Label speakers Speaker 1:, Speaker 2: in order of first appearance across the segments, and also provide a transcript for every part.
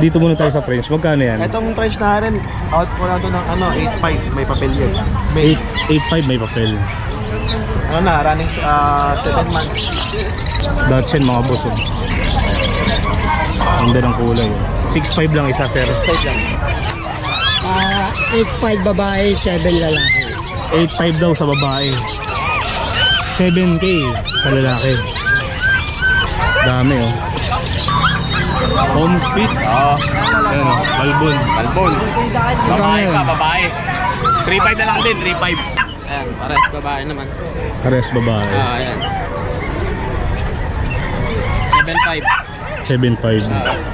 Speaker 1: Dito muna tayo sa French. Magkano yan?
Speaker 2: Itong French na rin, out po na ito ng 8.5, may papel yun. May
Speaker 1: 8.5 may papel.
Speaker 2: running 7 months.
Speaker 1: Dachshund mga boss. Ganda ng kulay. 6.5 lang isa, sir.
Speaker 2: 5 lang.
Speaker 3: 8.5 babae, 7 lalaki.
Speaker 1: 8.5 daw sa babae. 7K sa lalaki. Dami oh. Home Spitz.
Speaker 2: Oo.
Speaker 1: Ayan oh, Balbon.
Speaker 2: Balbon. Babae
Speaker 1: Magkano
Speaker 2: pa,
Speaker 1: yan?
Speaker 2: babae. 3.5 na lang din, 3.5. Ayan, pares babae naman.
Speaker 1: Pares babae.
Speaker 2: Ayan. 7.5.
Speaker 1: 7.5.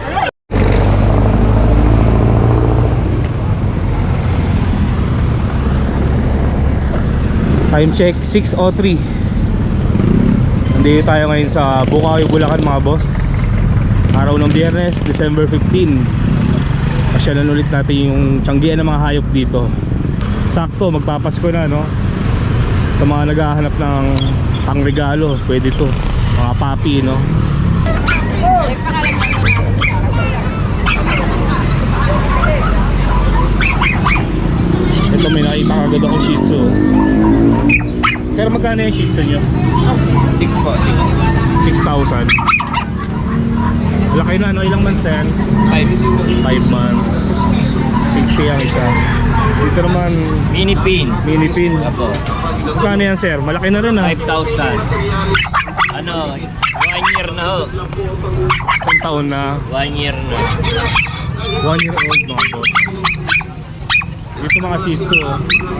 Speaker 1: Time check 6:03. Nandito tayo ngayon sa Bukawi, Bulacan mga boss. Araw ng Biyernes, December 15. Pasyalan ulit natin yung tiyanggian ng mga hayop dito. Sakto, magpapasko na no. Sa mga naghahanap ng pangregalo, pwede to. Mga papi no. Ito may nakita kagad akong Shih Tzu. Pero magkano yung Shih Tzu nyo?
Speaker 2: 6 po,
Speaker 1: 6,000. Laki na no, ilang months na yan? 5 months. 60 ang isa. Dito naman
Speaker 2: Mini pin.
Speaker 1: mini pin.
Speaker 2: Apo.
Speaker 1: Magkano yan sir? Malaki na rin ha.
Speaker 2: 5,000. Ano, 1 year na ho.
Speaker 1: Isang taon na.
Speaker 2: 1 year na.
Speaker 1: 1 year old mga boss. Dito mga Shih Tzu oh.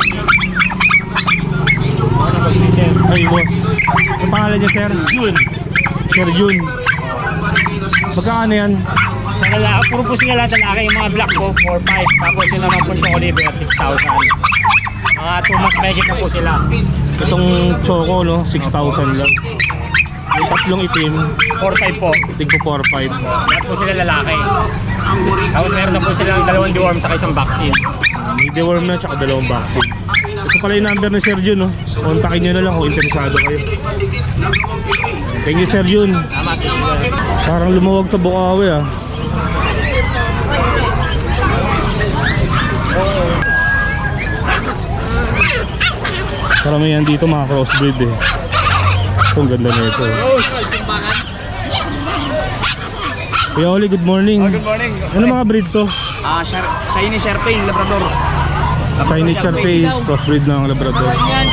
Speaker 1: Ay boss, ang pangalan niya sir?
Speaker 2: June.
Speaker 1: Sir Jun. Magkano yan?
Speaker 4: Sa lalaki, puro po sila lahat lalaki. Yung mga black po, 4-5. Tapos yung naman po sa Oliver, 6,000. Mga 2 months mahigit na po sila.
Speaker 1: Itong choco no, 6,000 lang. Yung tatlong itim,
Speaker 4: 4-5 po.
Speaker 1: tigpo 4,500.
Speaker 4: Lahat po sila lalaki. Tapos meron na po silang 2 deworm sa isang vaccine.
Speaker 1: May deworm na tsaka 2 vaccine. Ito pala yung number ni Sir Jun no. Kontakin nyo na lang kung interesado kayo. Thank you Sir Jun. Parang lumuwag sa Bukawi ah. Karamihan dito mga crossbreed eh. Ito ang ganda na ito. Kuya Oli, good morning.
Speaker 2: Good morning.
Speaker 1: Ano mga breed to?
Speaker 2: Chinese Sherping, Labrador.
Speaker 1: Chinese Sharpei, crossbreed ng Labrador.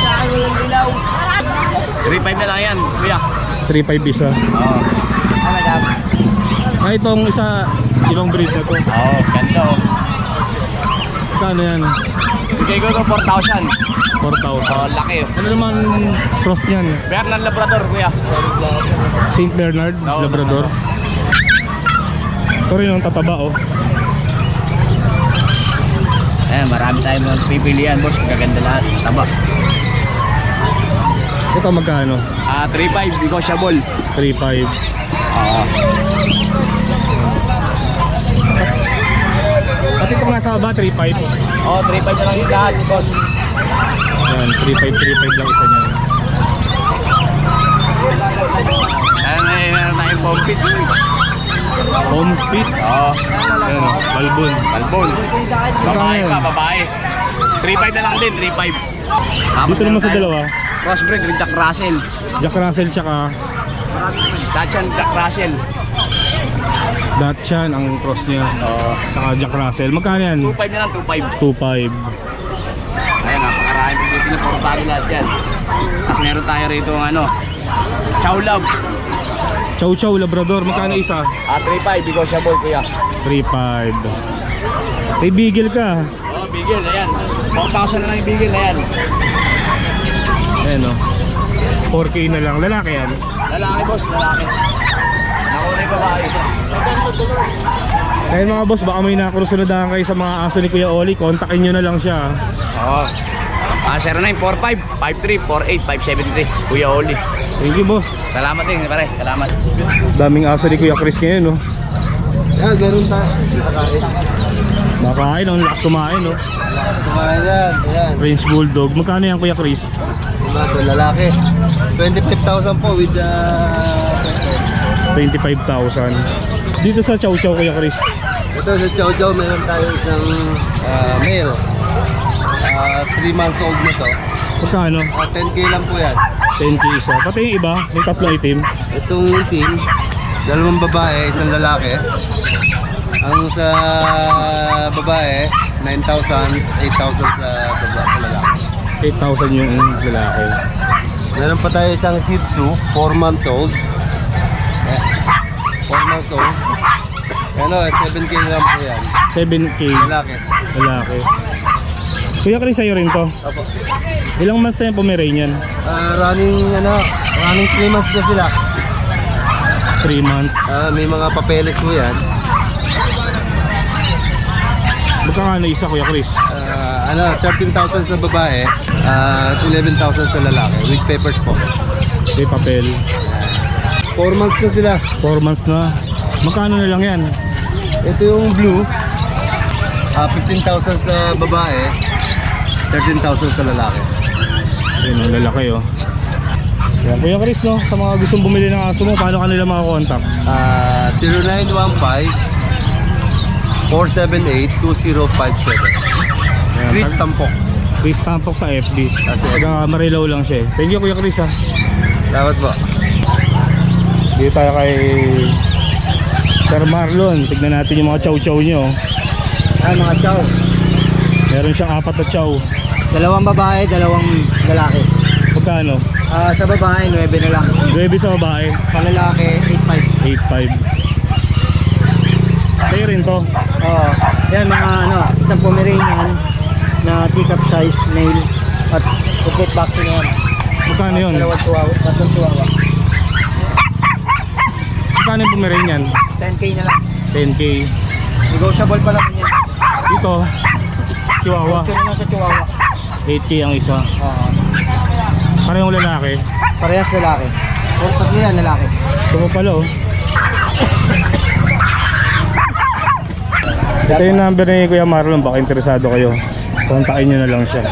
Speaker 2: 3.5 na lang yan, kuya.
Speaker 1: 3.5 isa.
Speaker 2: Oo.
Speaker 1: Ah, itong isa, ibang breed na to.
Speaker 2: Oo, ganda oh.
Speaker 1: Kano yan?
Speaker 2: Bigay ko ito 4,000.
Speaker 1: 4,000.
Speaker 2: Laki.
Speaker 1: Ano naman cross niyan?
Speaker 2: Bernard Labrador, kuya.
Speaker 1: Saint Bernard,
Speaker 2: Oo,
Speaker 1: Labrador. Ito rin yung tataba oh.
Speaker 2: Ayan, marami tayong magpipilian, boss. Gaganda lahat. Tama.
Speaker 1: Ito magkano?
Speaker 2: 3.5, negotiable.
Speaker 1: 3.5.
Speaker 2: Oo.
Speaker 1: Pati itong nasa baba, 3.5.
Speaker 2: Oo, 3.5 na lang yung lahat, boss.
Speaker 1: Yan, 3.5 lang isa niyan.
Speaker 2: Ayan, meron tayong bumpit.
Speaker 1: Home Spitz.
Speaker 2: Oo.
Speaker 1: Ayan oh, Balbon.
Speaker 2: Balbon. Babae pa, babae. 3.5 na lang din, 3.5.
Speaker 1: Dito naman sa dalawa,
Speaker 2: Crossbreed with Jack Russell.
Speaker 1: Jack Russell tsaka
Speaker 2: Dachshund Jack Russell.
Speaker 1: Dachshund ang cross niya.
Speaker 2: Oo.
Speaker 1: Saka Jack Russell. Magkano yan?
Speaker 2: 2.5 na lang, 2.5.
Speaker 1: 2.5.
Speaker 2: Ayan, napakarami dito na puro bago lahat yan. Tapos meron tayo rito ng ano, Chow Love.
Speaker 1: Chow Chow Labrador. Magkano isa?
Speaker 2: 3.5, negotiable, kuya.
Speaker 1: 3.5. May bigel ka.
Speaker 2: Oo, bigil, ayan. 4,000 na lang yung bigil, ayan.
Speaker 1: Ayan o. 4K na lang. Lalaki yan.
Speaker 2: Lalaki, boss, lalaki. Nakuha yung babae.
Speaker 1: Kaya mga boss, baka may nakurusunadahan kayo sa mga aso ni Kuya Oli. Kontakin nyo na lang siya.
Speaker 2: Oo. 0945-5348-573. Kuya Oli.
Speaker 1: Thank you boss.
Speaker 2: Salamat din, pare. Salamat.
Speaker 1: Daming aso ni Kuya Chris ngayon no.
Speaker 3: Yan, ganun tayo. Nakakain.
Speaker 1: Makain, ang lakas kumain no.
Speaker 3: Kumain yan. Yan.
Speaker 1: French Bulldog. Magkano yan Kuya Chris?
Speaker 3: Ito, lalaki. 25,000 po with the...
Speaker 1: 25,000. Dito sa Chow Chow Kuya Chris.
Speaker 3: Ito sa Chow Chow, meron tayo isang male. 3 months old na to.
Speaker 1: Magkano?
Speaker 3: 10K lang po yan.
Speaker 1: 10k isa. Pati yung iba, may tatlong itim.
Speaker 3: Itong team, 2 babae, 1 lalaki. Ang sa babae, 9,000, 8,000 sa lalaki.
Speaker 1: 8,000 yung lalaki.
Speaker 3: Meron pa tayo isang Shih Tzu, 4 months old. 4 months old. Ano, 7K lang po yan.
Speaker 1: 7k
Speaker 3: Lalaki.
Speaker 1: lalaki. Kuya Chris, sa'yo rin to.
Speaker 3: Opo.
Speaker 1: Ilang months na yung Pomeranian?
Speaker 3: Running 3 months na sila.
Speaker 1: 3 months.
Speaker 3: May mga papeles po yan.
Speaker 1: Magkano isa, Kuya Chris?
Speaker 3: 13,000 sa babae, 11,000 sa lalaki with papers po.
Speaker 1: May papel.
Speaker 3: 4 months na sila.
Speaker 1: 4 months na. Magkano na lang yan?
Speaker 3: Ito yung blue, 15,000 sa babae, 13,000 sa lalaki.
Speaker 1: Ayun, ang lalaki oh. Yan, Kuya Chris, no? Sa mga gustong bumili ng aso mo, paano ka nila makakontakt?
Speaker 3: 0915-478-2057.
Speaker 1: Ayan,
Speaker 3: Chris Tampok.
Speaker 1: Chris Tampok sa FB. Taga Marilaw lang siya eh. Thank you, Kuya Chris, ha.
Speaker 3: Dapat po.
Speaker 1: Dito tayo kay Sir Marlon. Tignan natin yung mga chow-chow nyo.
Speaker 3: Mga chow.
Speaker 1: Meron siyang 4 na chow.
Speaker 3: 2 babae, 2 lalaki.
Speaker 1: Magkano?
Speaker 3: Sa babae, 9 na lang.
Speaker 1: 9 sa babae,
Speaker 3: Sa lalaki,
Speaker 1: 8.5. Sa'yo rin to.
Speaker 3: Oo. Yan mga isang Pomeranian na teacup size male at complete vaccine yan.
Speaker 1: Magkano yun?
Speaker 3: Tatlong tuwawa.
Speaker 1: Magkano yung Pomeranian?
Speaker 3: 10K na lang.
Speaker 1: 10k.
Speaker 3: Negotiable pa naman yan.
Speaker 1: Dito, Chihuahua.
Speaker 3: Option na lang sa Chihuahua.
Speaker 1: 8k ang isa.
Speaker 3: Oo.
Speaker 1: Parehong lalaki.
Speaker 3: Parehas lalaki. O tatlo yan lalaki.
Speaker 1: Ito mo pala oh. Ito yung number ni Kuya Marlon. Baka interesado kayo. Kontakin nyo na lang siya.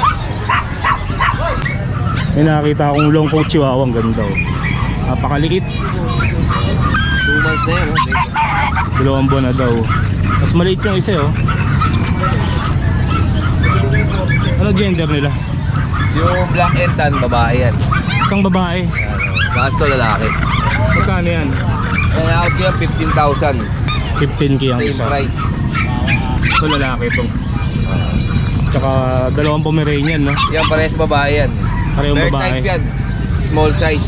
Speaker 1: May nakakita akong long coat Chihuahua. Ang ganda oh. Napakaliit.
Speaker 2: 2 months na yan.
Speaker 1: 2 buwan na daw. Mas maliit yung isa oh. Ano gender nila?
Speaker 2: Yung black and tan, babae yan.
Speaker 1: Isang babae.
Speaker 2: Kaso lalaki.
Speaker 1: Magkano yan?
Speaker 2: Kaya out yan, 15,000.
Speaker 1: 15k ang
Speaker 2: Same
Speaker 1: isa.
Speaker 2: price.
Speaker 1: Ito lalaki ito. Tsaka 2 Pomeranian no?
Speaker 2: Yan, parehas babae yan.
Speaker 1: Parehong
Speaker 2: Third
Speaker 1: babae.
Speaker 2: type yan. Small size.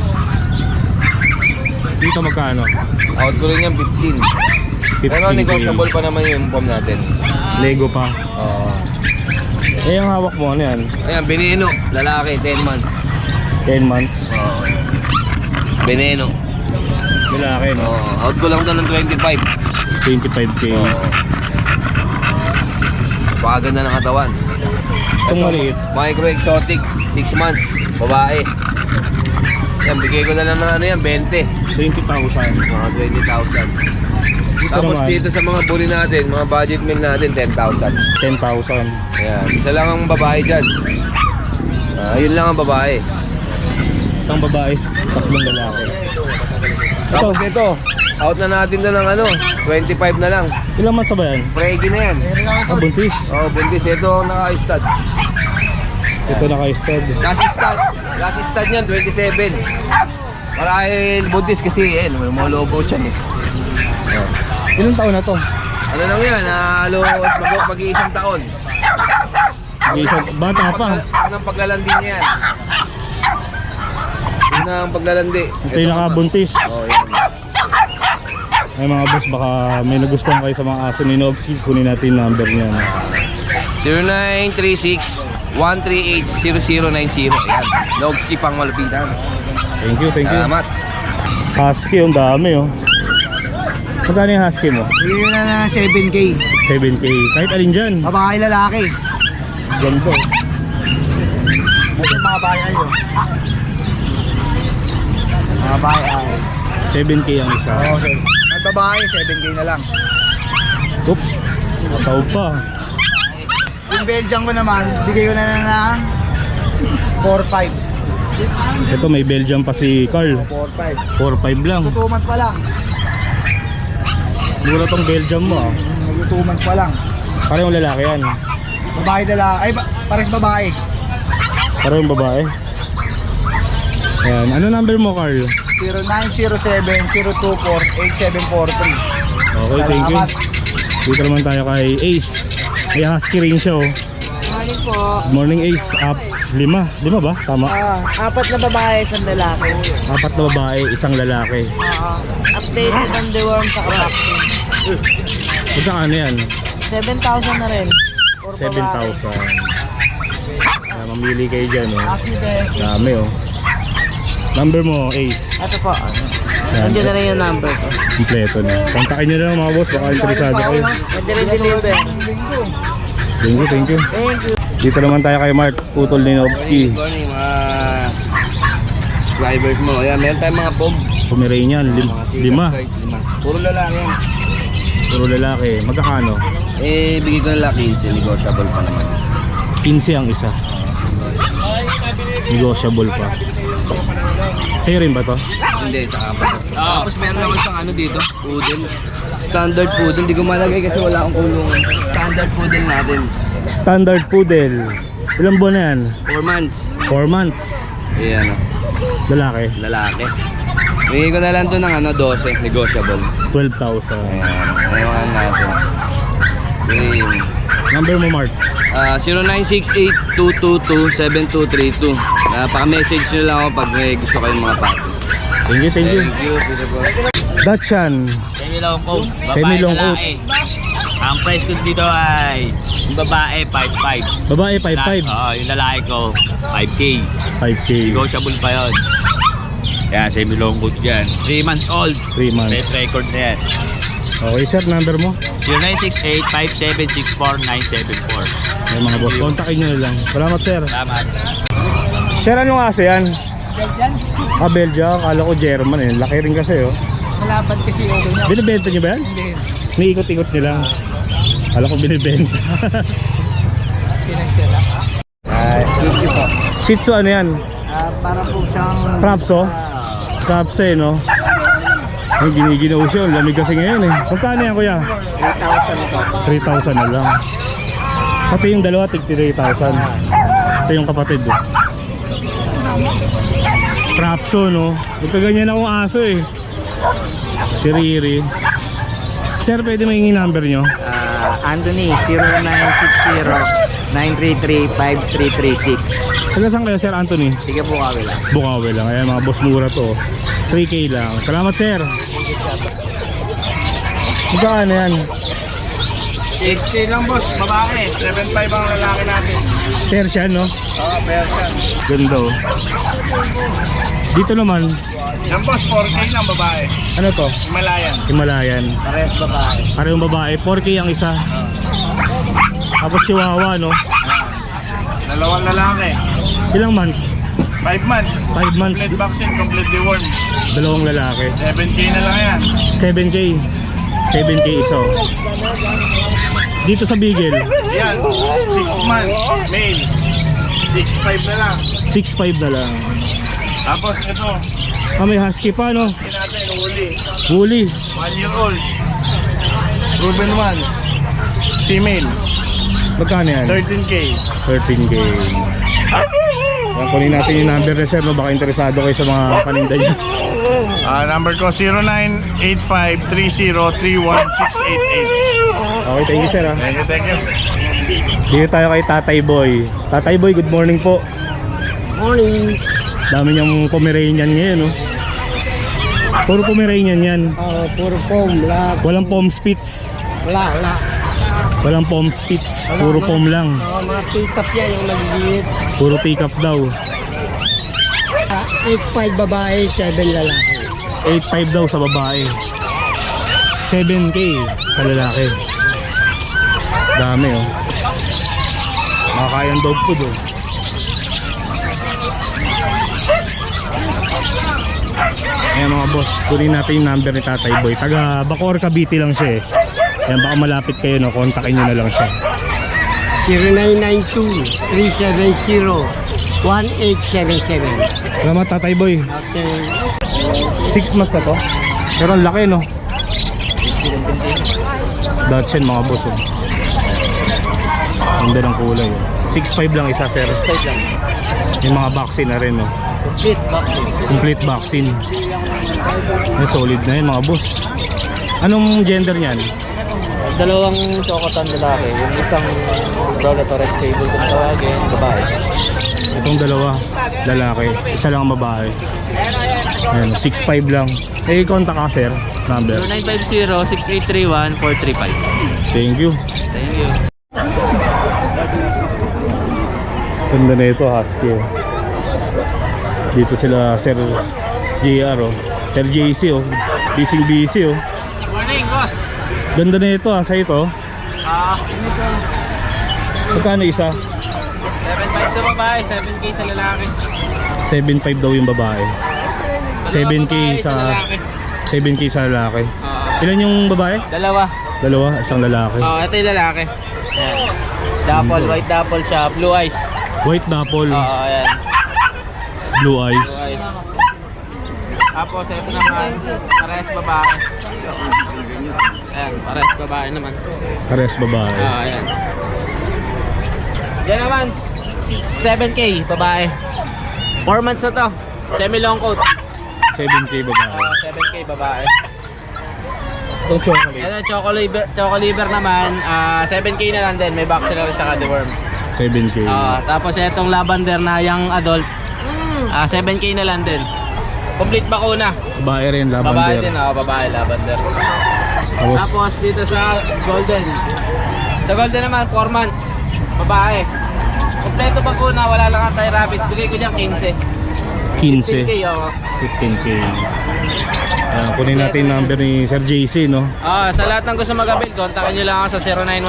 Speaker 1: Dito magkano?
Speaker 2: Out ko rin yan, 15.
Speaker 1: 15K.
Speaker 2: Pero negotiable pa naman yung pom natin.
Speaker 1: Lego pa.
Speaker 2: Oo.
Speaker 1: Eh ang hawak mo ano yan?
Speaker 2: Ayan, Veneno. Lalaki, 10 months.
Speaker 1: 10 months.
Speaker 2: Oo. Veneno.
Speaker 1: Lalaki no?
Speaker 2: Oo. Out ko lang to ng 25.
Speaker 1: 25k.
Speaker 2: Oo. Pakaganda ng katawan.
Speaker 1: Itong maliit.
Speaker 2: Micro exotic, 6 months. Babae. Yan, bigay ko na lang ng ano yan, 20.
Speaker 1: 20,000.
Speaker 2: Mga 20,000. Tapos
Speaker 1: naman,
Speaker 2: dito sa mga bully natin, mga budget meal natin, 10,000.
Speaker 1: 10,000.
Speaker 2: Ayan, isa lang ang babae dyan. Yun lang ang babae.
Speaker 1: Isang babae, 3 lalaki.
Speaker 2: Tapos ito, out na natin to ng ano, 25 na lang.
Speaker 1: Ilang months ba yan?
Speaker 2: Pregi na yan.
Speaker 1: Ah, buntis.
Speaker 2: Oh, buntis. Ito ang naka-stud.
Speaker 1: Ito naka-stud.
Speaker 2: Last stud niyan, 27. Marahil buntis kasi, may mga lobo siya eh.
Speaker 1: Ilang taon na to?
Speaker 2: Ano lang yan, mag-iisang taon.
Speaker 1: Isang bata pa.
Speaker 2: Yun ang paglalandi niya yan. Yun ang paglalandi.
Speaker 1: Ito yung nakabuntis.
Speaker 2: Oh, yan.
Speaker 1: Ay mga boss, baka may nagustuhan kayo sa mga aso ni Nogsy. Kunin natin yung number niya.
Speaker 2: 0936-138-0090. Ayan, Nogsy pang malupitan.
Speaker 1: Thank you, thank you.
Speaker 2: Salamat.
Speaker 1: Husky, ang dami oh. Magkano yung husky mo?
Speaker 3: Bigyan na ng 7K.
Speaker 1: 7k. Kahit alin dyan.
Speaker 3: Babae lalaki.
Speaker 1: Ganda.
Speaker 3: Ito mga babae ayo. Mga babae ay.
Speaker 1: 7k ang isa.
Speaker 3: Okay. Ang babae 7K na lang.
Speaker 1: Oops. Mataw pa.
Speaker 3: Yung Belgian ko naman, bigay ko na lang ng 4-5.
Speaker 1: Ito may Belgium pa si Carl.
Speaker 3: 4-5.
Speaker 1: 4-5 lang.
Speaker 3: 2 months pa lang.
Speaker 1: Mura tong Belgium mo ah.
Speaker 3: 2 months pa lang.
Speaker 1: Parehong lalaki yan.
Speaker 3: Babae dala, ay pares babae.
Speaker 1: Parehong babae. Ayan. Ano number mo, Carl?
Speaker 3: 0907-024-8743.
Speaker 1: Okay, thank you.
Speaker 3: Salamat.
Speaker 1: Dito naman tayo kay Ace. May husky rin siya, oh.
Speaker 3: Morning po.
Speaker 1: Good morning, Ace. Lima ba? Tama.
Speaker 3: 4 na babae, 1 lalaki.
Speaker 1: 4 na babae, 1 lalaki.
Speaker 3: Updated on the worm sa vaccine.
Speaker 1: Magkano yan?
Speaker 3: 7,000 na rin.
Speaker 1: 7,000. Mamili kayo dyan, oh.
Speaker 3: Accident.
Speaker 1: Dami, oh. Number mo, Ace.
Speaker 3: Ito po.
Speaker 1: Yan.
Speaker 3: Nandiyan na rin yung number ko.
Speaker 1: Kompleto na. Kontakin nyo na lang mga boss, baka interesado kayo.
Speaker 3: Pwede rin deliver.
Speaker 1: Thank you, thank you.
Speaker 3: Thank you.
Speaker 1: Dito naman tayo kay Mark, putol ni Nobski.
Speaker 2: Good morning mga drivers mo. Ayan, meron tayong mga pog.
Speaker 1: Pomeranian,
Speaker 2: Mga sikat,
Speaker 1: 5.
Speaker 2: guys, 5. Puro lalaki yan.
Speaker 1: Puro lalaki. Magkakano?
Speaker 2: Eh, bigay ko na lang 15. Negotiable pa naman.
Speaker 1: 15 ang isa. Negotiable pa. Sa'yo rin ba to?
Speaker 2: Hindi, saka pa. Tapos meron ako isang ano dito, poodle. Standard poodle. Hindi ko malagay kasi wala akong kulungan. Standard poodle natin.
Speaker 1: Standard poodle. Ilang buwan na yan?
Speaker 2: 4 months.
Speaker 1: 4 months.
Speaker 2: Ayan,
Speaker 1: Lalaki.
Speaker 2: lalaki. Bigay ko na lang to ng ano, 12. Negotiable.
Speaker 1: 12,000.
Speaker 2: Ayan, ayaw natin. Okay.
Speaker 1: Number mo, Mark?
Speaker 2: 0968-222-7232. Paka-message nyo lang ako pag may gusto kayong mga pato.
Speaker 1: Thank you, thank you.
Speaker 2: Thank you.
Speaker 1: Dachshund.
Speaker 4: Semi-long coat.
Speaker 1: Semi-long coat.
Speaker 4: Ang price ko dito ay yung babae 5.5.
Speaker 1: Babae, 5'5".
Speaker 4: Oo, yung lalaki ko 5K.
Speaker 1: 5K.
Speaker 4: Negotiable pa yun. Yan, semi-long coat dyan. 3 months old.
Speaker 1: 3 months.
Speaker 4: Best record na yan.
Speaker 1: Okay, sir. Number mo?
Speaker 4: 0968-5764-974.
Speaker 1: Yung mga boss. Kontakin nyo na lang. Salamat, sir.
Speaker 4: Salamat.
Speaker 1: Sir, anong aso yan? Belgian. Kala ko German eh. Laki rin kasi, oh.
Speaker 3: Malapad kasi yung niya.
Speaker 1: Binibenta nyo ba yan?
Speaker 3: Hindi.
Speaker 1: Niikot-ikot nyo lang. Kala ko binibenta.
Speaker 3: Pinagsila. Thank you po.
Speaker 1: Shih Tzu, ano yan?
Speaker 3: Para po siyang...
Speaker 1: Trapso? Trapso eh, no? Ay, giniginaw siya. Ang lamig kasi ngayon eh. Magkano yan, kuya?
Speaker 3: 3,000 po.
Speaker 1: 3,000 na lang. Pati yung dalawa, tig 3,000. Ito yung kapatid eh. Trapso, no? Magkaganyan akong aso eh. Si Riri. Sir, pwede mahingi number nyo?
Speaker 3: Anthony, 0960-933-5336.
Speaker 1: Taga saan kayo, Sir Anthony?
Speaker 3: Sige po kami lang.
Speaker 1: Bukawi lang. Ayan, mga boss, mura to. 3K lang. Salamat, sir. Magkano yan?
Speaker 2: 6K lang boss, babae. 7.5 ang lalaki natin.
Speaker 1: Persian, no?
Speaker 2: Oo, Persian.
Speaker 1: Ganda, oh. Dito naman,
Speaker 2: Yan boss, 4K lang babae.
Speaker 1: ano to?
Speaker 2: Himalayan.
Speaker 1: Himalayan.
Speaker 2: Parehas babae.
Speaker 1: Parehong babae. 4K ang isa. Tapos Chihuahua, no?
Speaker 2: Dalawang lalaki.
Speaker 1: Ilang months?
Speaker 2: 5 months.
Speaker 1: 5 months.
Speaker 2: Complete vaccine, complete deworm.
Speaker 1: Dalawang lalaki.
Speaker 2: 7K na lang yan.
Speaker 1: 7K. 7K isa, oh. Dito sa Beagle,
Speaker 2: Yan, 6 months, male. 6.5 na lang.
Speaker 1: 6'5 na lang.
Speaker 2: Tapos ito,
Speaker 1: May husky pa, no?
Speaker 2: hindi natin, huli.
Speaker 1: Woolly.
Speaker 2: 1 year old. Proven ones. Female.
Speaker 1: Magkano yan?
Speaker 2: 13K.
Speaker 1: 13K. Yan, kunin natin yung number na, sir, no? Baka interesado kayo sa mga paninda niya.
Speaker 2: Number ko 0985-30-31688.
Speaker 1: Okay, thank you, sir, ha?
Speaker 2: Thank you, thank you.
Speaker 1: Dito tayo kay Tatay Boy. Tatay Boy, good morning po.
Speaker 3: Morning.
Speaker 1: Dami niyang Pomeranian ngayon, no? Puro Pomeranian yan.
Speaker 3: Puro foam, lahat.
Speaker 1: Walang Pom Spitz.
Speaker 3: Wala.
Speaker 1: Walang Pom Spitz. Puro Pom lang.
Speaker 3: Mga pick-up yan yung nagigit.
Speaker 1: Puro pick up daw.
Speaker 3: 8'5 babae, 7 lalaki.
Speaker 1: 8'5 daw sa babae. 7K sa lalaki. Dami, oh. Makakayang dog food, oh. Ayan mga boss, kunin natin yung number ni Tatay Boy. Taga Bacoor, Cavite lang siya eh. Ayan, baka malapit kayo, no? Kontakin nyo na lang siya.
Speaker 3: 0992-370-1877.
Speaker 1: Salamat, Tatay Boy.
Speaker 3: Okay.
Speaker 1: 6 months na to. Pero ang laki, no? Dachshund mga boss oh. Ganda ng kulay oh. 6'5 lang isa sir.
Speaker 2: 5 lang.
Speaker 1: Yung mga vaccine na rin oh.
Speaker 2: Complete vaccine.
Speaker 1: Complete vaccine. Solid na yun mga boss. Anong gender niyan?
Speaker 2: Dalawang chocotan lalaki. Yung isang brown at red sable kung tawagin, babae.
Speaker 1: Itong dalawa lalaki, isa lang ang babae. Ayan, 6'5 lang. Eh, contact ka sir, number.
Speaker 2: 0950-6831-435.
Speaker 1: Thank you.
Speaker 2: Thank you.
Speaker 1: Ganda na ito, husky oh. Dito sila Sir JR oh. Sir JC oh. Busy oh.
Speaker 2: Morning, boss.
Speaker 1: Ganda na ito sa ito. Magkano isa?
Speaker 2: 7.5 sa babae, 7K sa lalaki.
Speaker 1: 7.5 daw yung babae. 7K sa
Speaker 2: lalaki.
Speaker 1: 7K sa lalaki. Ilan yung babae?
Speaker 2: Dalawa.
Speaker 1: Dalawa, isang lalaki.
Speaker 2: Ito yung lalaki. Ayan. Dapple, white dapple siya, blue eyes.
Speaker 1: White dapple,
Speaker 2: Ayan.
Speaker 1: blue eyes.
Speaker 2: Blue eyes. Tapos ito naman, parehas babae. Ayan, parehas babae naman.
Speaker 1: Pares babae.
Speaker 2: Ayan. Yan naman, 7K babae. 4 months na to. Semi long coat.
Speaker 1: 7K babae.
Speaker 2: 7K babae.
Speaker 1: Itong chocolate.
Speaker 2: Ito choco liver naman, 7K na lang din. May vaccine na rin sa deworm.
Speaker 1: 7K.
Speaker 2: Tapos itong lavender na young adult, 7K na lang din. Complete bakuna.
Speaker 1: Babae rin, lavender.
Speaker 2: Babae din, babae lavender. Tapos dito sa golden. Sa golden naman 4 months. Babae. Kompleto bakuna, wala lang tayo rabies. Bigay ko diyan 15.
Speaker 1: 15.
Speaker 2: 15K ako.
Speaker 1: 15K. Kunin natin number ni Sir JC, no?
Speaker 2: Sa lahat ng gusto mag-avail, kontakin nyo lang ako sa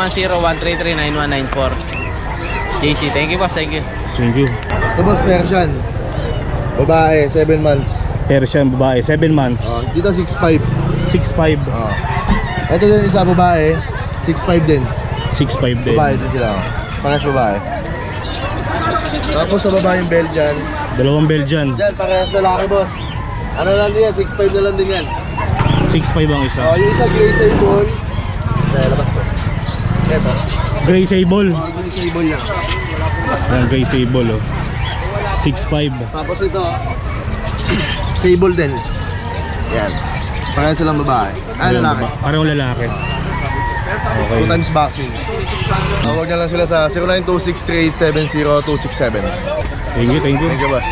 Speaker 2: 0910-133-9194. JC, thank you boss, thank you.
Speaker 1: Thank you.
Speaker 5: Ito boss, Persian. Babae, 7 months.
Speaker 1: Persian babae, 7 months.
Speaker 5: Dito 6'5".
Speaker 1: 6'5".
Speaker 5: Ito din isa babae, 6'5 din.
Speaker 1: 6'5 din.
Speaker 5: Babae din sila. Parehas babae. Tapos sa babae yung Belgian.
Speaker 1: Dalawang Belgian.
Speaker 5: Yan, parehas lalaki boss. Ano lang din yan, 6'5 na lang din yan.
Speaker 1: 6'5 ang isa.
Speaker 5: Yung isa gray sable. Labas ko. Ito.
Speaker 1: Gray sable.
Speaker 5: Gray sable lang.
Speaker 1: Yan, gray sable, oh. 6'5".
Speaker 5: Tapos ito, sable din. Yan. Parehas silang babae. Lalaki.
Speaker 1: Parang lalaki. Okay.
Speaker 5: 2 times vaccine. Tawag na lang sila sa 0926-3870-267.
Speaker 1: Thank you, thank you.
Speaker 5: Thank you, boss.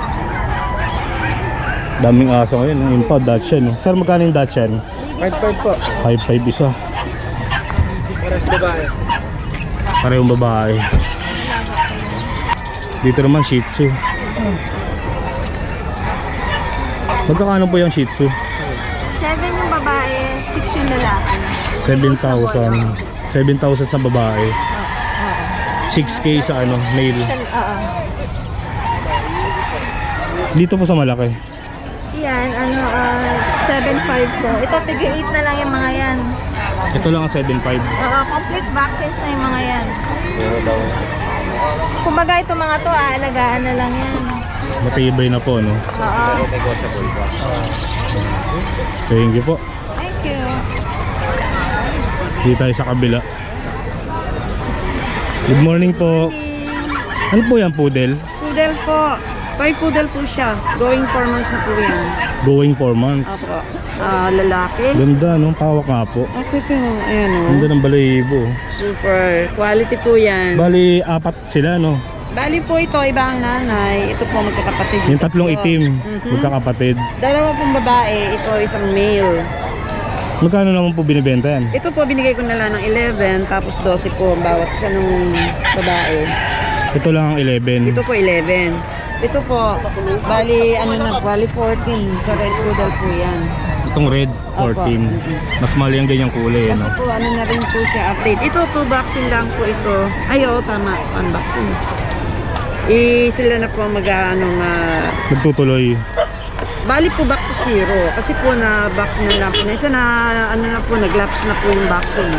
Speaker 1: Daming aso ngayon. Yung pa, Dachshund. Oh. Sir, magkano yung Dachshund?
Speaker 5: 5'5 po.
Speaker 1: 5'5 isa.
Speaker 5: Parehas babae.
Speaker 1: Parehong babae. Dito naman Shih Tzu. Magkakano po yung Shih Tzu?
Speaker 6: 7 yung babae, 6 yung lalaki.
Speaker 1: 7,000. 7,000 sa babae. 6K sa ano, male.
Speaker 6: Oo.
Speaker 1: Dito po sa malaki.
Speaker 6: Yan, 7.5 po. Ito, tig-8 na lang yung mga yan.
Speaker 1: Ito lang ang 7.5.
Speaker 6: Oo, complete vaccines na yung mga yan. Kumbaga ito mga to, aalagaan na lang yan.
Speaker 1: Matibay na po, no?
Speaker 6: Oo.
Speaker 1: Thank you po.
Speaker 6: Thank you.
Speaker 1: Dito tayo sa kabila. Good morning po. Ano po yan, poodle?
Speaker 7: Poodle po. Toy poodle po siya. Going 4 months na po yan.
Speaker 1: Going 4 months.
Speaker 7: Opo. Lalaki.
Speaker 1: Ganda, no? Pawak nga po.
Speaker 7: Okay po. Ayan o.
Speaker 1: Ganda ng balahibo.
Speaker 7: Super. Quality po yan.
Speaker 1: Bali, 4 sila, no?
Speaker 7: Bali po ito, iba ang nanay. Ito po magkakapatid.
Speaker 1: Yung tatlong itim,
Speaker 7: Mhm.
Speaker 1: magkakapatid.
Speaker 7: Dalawa pong babae. Ito isang male.
Speaker 1: Magkano naman po binibenta yan?
Speaker 7: Ito po binigay ko na lang ng 11. Tapos 12 po ang bawat isa ng babae.
Speaker 1: Ito lang ang 11.
Speaker 7: Ito po 11. Ito po, bali 14. Sa red poodle po yan.
Speaker 1: Itong red, 14.
Speaker 7: Opo.
Speaker 1: Mas mali ang ganyang kulay,
Speaker 7: Kasi
Speaker 1: no?
Speaker 7: po na rin po siya update. Ito 2 vaccine lang po ito. Ay oo, tama. 1 vaccine. Sila na po
Speaker 1: Nagtutuloy.
Speaker 7: bali po back to 0. Kasi po na vaccine na lang po. Na isa na nag-lapse na po yung vaccine.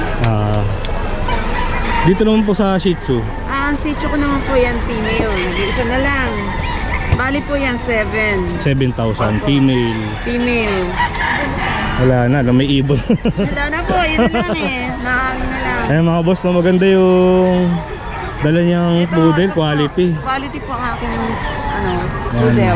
Speaker 1: Dito naman po sa Shih Tzu.
Speaker 7: Ang sitio ko naman po yan female. Nag-iisa na lang. Bali po yan 7.
Speaker 1: 7,000. Female.
Speaker 7: Female.
Speaker 1: Wala na, may ibon.
Speaker 7: Wala na po, yun na lang eh. Na lang.
Speaker 1: Ayan mga boss, no, maganda yung dala niyang poodle, quality.
Speaker 7: Quality po ang aking
Speaker 1: Yan.
Speaker 7: poodle.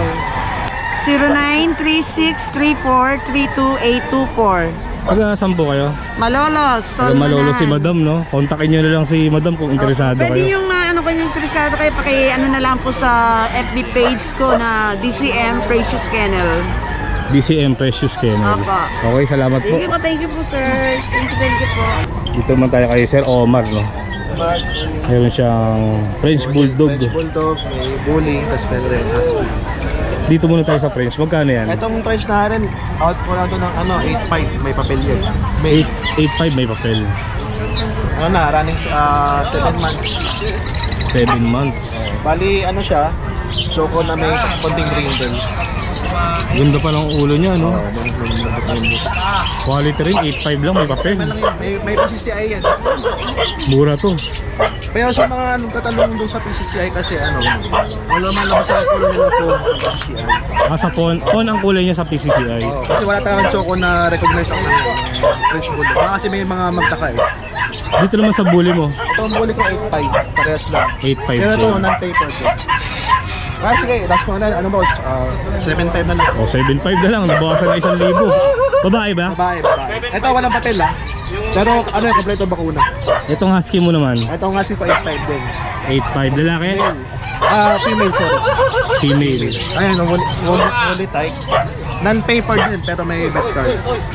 Speaker 7: 093634328224.
Speaker 1: Taga saan po kayo?
Speaker 7: Malolos,
Speaker 1: Taga Malolo si Madam, no? Kontakin nyo na lang si Madam kung interesado
Speaker 7: Pwede
Speaker 1: kayo.
Speaker 7: yung kung interesado kayo, na lang po sa FB page ko na DCM Precious Kennel.
Speaker 1: DCM Precious Kennel.
Speaker 7: Apa.
Speaker 1: Okay, salamat po.
Speaker 7: Thank you po sir. Thank you po.
Speaker 1: Dito naman tayo kay Sir Omar, no? Meron siyang French Bulldog.
Speaker 5: Bulldog, may bully, tapos meron rin husky.
Speaker 1: Dito muna tayo sa French. Magkano yan?
Speaker 5: Itong French na rin, out po na ito ng 8.5, may papel yan. May,
Speaker 1: 8.5 may papel.
Speaker 5: running 7 months.
Speaker 1: 7 months.
Speaker 5: Bali, siya, choco na may konting brindle.
Speaker 1: Ganda pa ng ulo niya, no?
Speaker 5: May
Speaker 1: Quality rin, 8.5 lang may papel.
Speaker 5: may PCCI yan.
Speaker 1: Mura to.
Speaker 5: Pero sa mga tatanong doon sa PCCI kasi wala malabas sa kulay nila po PCCI.
Speaker 1: Sa phone ang kulay niya sa PCCI.
Speaker 5: Kasi wala tayong choco na recognize ang French Bulldog. Kasi may mga magtaka eh.
Speaker 1: Dito naman sa bully mo,
Speaker 5: Ito ang bully ko 8.5, parehas lang.
Speaker 1: 8.5
Speaker 5: Pero ito,
Speaker 1: din.
Speaker 5: non-paper ko. Sige, last mo na, 7.5 na lang.
Speaker 1: O 7.5 na lang, nabawasan na 1,000. Babae ba?
Speaker 5: Babae. Ito, walang papel Pero kompleto bakuna.
Speaker 1: Itong husky mo naman,
Speaker 5: Ito nga si 5.5 din.
Speaker 1: 8.5 lalaki,
Speaker 5: Female, sorry.
Speaker 1: female.
Speaker 5: Ayan, only type. Non-paper din, pero may vet card.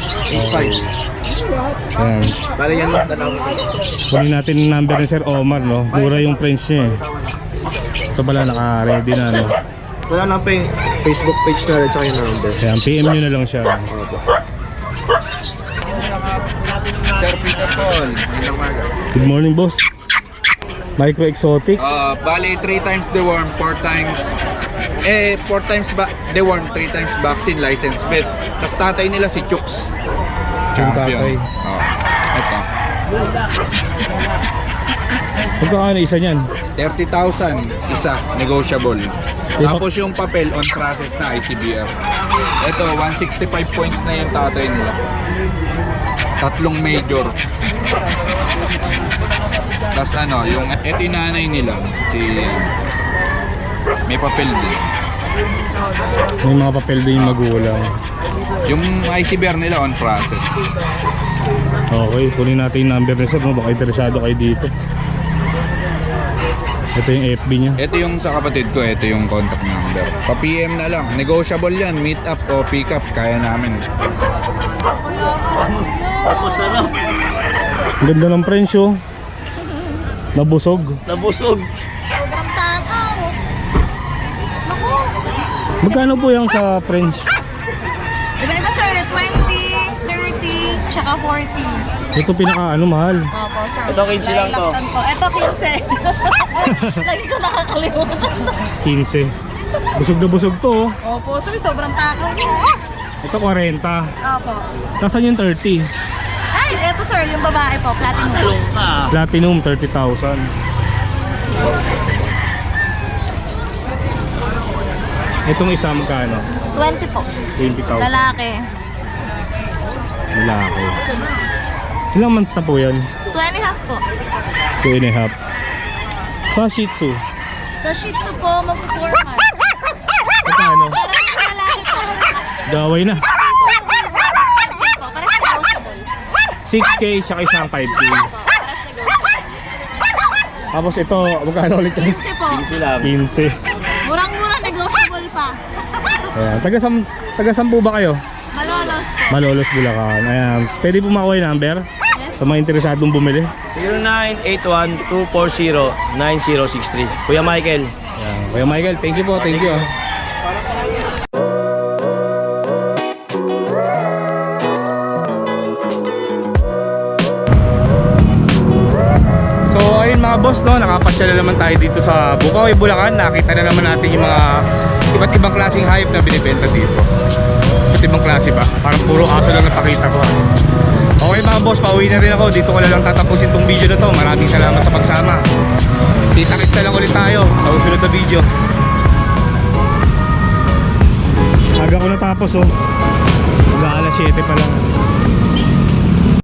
Speaker 5: 8.5.
Speaker 1: Ayan.
Speaker 5: Bali yan lang, dalawa.
Speaker 1: Kunin natin yung number ni Sir Omar, no? Mura yung French niya eh. Ito pala naka-ready na, no?
Speaker 5: Wala lang pa yung Facebook page na rin, tsaka yung number.
Speaker 1: Ayan, PM nyo na lang siya.
Speaker 8: Sir Peter Paul, magandang umaga.
Speaker 1: Good morning, boss. Micro Exotic.
Speaker 8: Bali, 3 times deworm, 4 times deworm, 3 times vaccine, license vet. Tapos tatay nila si Chooks.
Speaker 1: Yung tatay.
Speaker 8: Ito.
Speaker 1: Magkakano isa niyan?
Speaker 8: 30,000 isa, negotiable. Tapos yung papel on process na ICBF. Ito, 165 points na yung tatay nila. 3 major. Tapos yung ito yung nanay nila, may papel din.
Speaker 1: May mga papel din yung magulang.
Speaker 8: Yung ICBR nila on process.
Speaker 1: Okay, kunin natin yung number ni Sir, no? Baka interesado kayo dito. Ito yung FB niya.
Speaker 8: Ito yung sa kapatid ko, ito yung contact number. Pa-PM na lang. Negotiable yan. Meet up o pick up. Kaya namin.
Speaker 1: Ang ganda ng French, oh. Nabusog.
Speaker 3: Nabusog.
Speaker 6: Sobrang takaw. Naku.
Speaker 1: Magkano po yung sa French?
Speaker 6: Iba-iba sir, 20, 30, tsaka 40.
Speaker 1: Ito mahal.
Speaker 6: Opo, sir.
Speaker 3: Ito, 15 lang to.
Speaker 6: Ito, 15. Lagi ko nakakalimutan.
Speaker 1: 15. Busog na busog to, oh.
Speaker 6: Opo, sir. Sobrang takaw niyo.
Speaker 1: Ito 40.
Speaker 6: Opo.
Speaker 1: Nasaan yung 30?
Speaker 6: Ay, ito sir, yung babae po, platinum.
Speaker 1: Platinum, 30,000. Itong isa magkano?
Speaker 6: 20 po.
Speaker 1: 20,000.
Speaker 6: Lalaki.
Speaker 1: Lalaki. Ilang months na po yan?
Speaker 6: 2 and a half po.
Speaker 1: 2 and a half. Sa Shih Tzu,
Speaker 6: Sa Shih Tzu po, mag-4 months.
Speaker 1: magkano?
Speaker 6: Pero sa lalaki po,
Speaker 1: Gaway na.
Speaker 6: parang negotiable.
Speaker 1: 6K siya isang 5K.
Speaker 6: Parang negotiable.
Speaker 1: Tapos ito, magkano ulit yan?
Speaker 6: 15 po.
Speaker 1: 15.
Speaker 6: Murang-murang negotiable pa.
Speaker 1: Ayan. Taga-saan po ba kayo?
Speaker 6: Malolos po.
Speaker 1: Malolos, Bulacan. Ayan. Pwede po makuha yung number sa mga interesadong bumili.
Speaker 3: 0981-240-9063. Kuya Michael.
Speaker 1: Ayan. Kuya Michael, thank you po. Thank you. So ayun mga boss, no, nakapasyal na naman tayo dito sa Bukawi, Bulacan. Nakita na naman natin yung mga iba't ibang klaseng hayop na binibenta dito. Iba't ibang klase ba? Parang puro aso lang napakita ko. Okay mga boss, pauwi na rin ako. Dito ko na lang tatapusin tong video na to. Maraming salamat sa pagsama. Kita-kits na lang ulit tayo sa usunod na video. Aga ko natapos, oh. Mag-aalas 7 pa lang.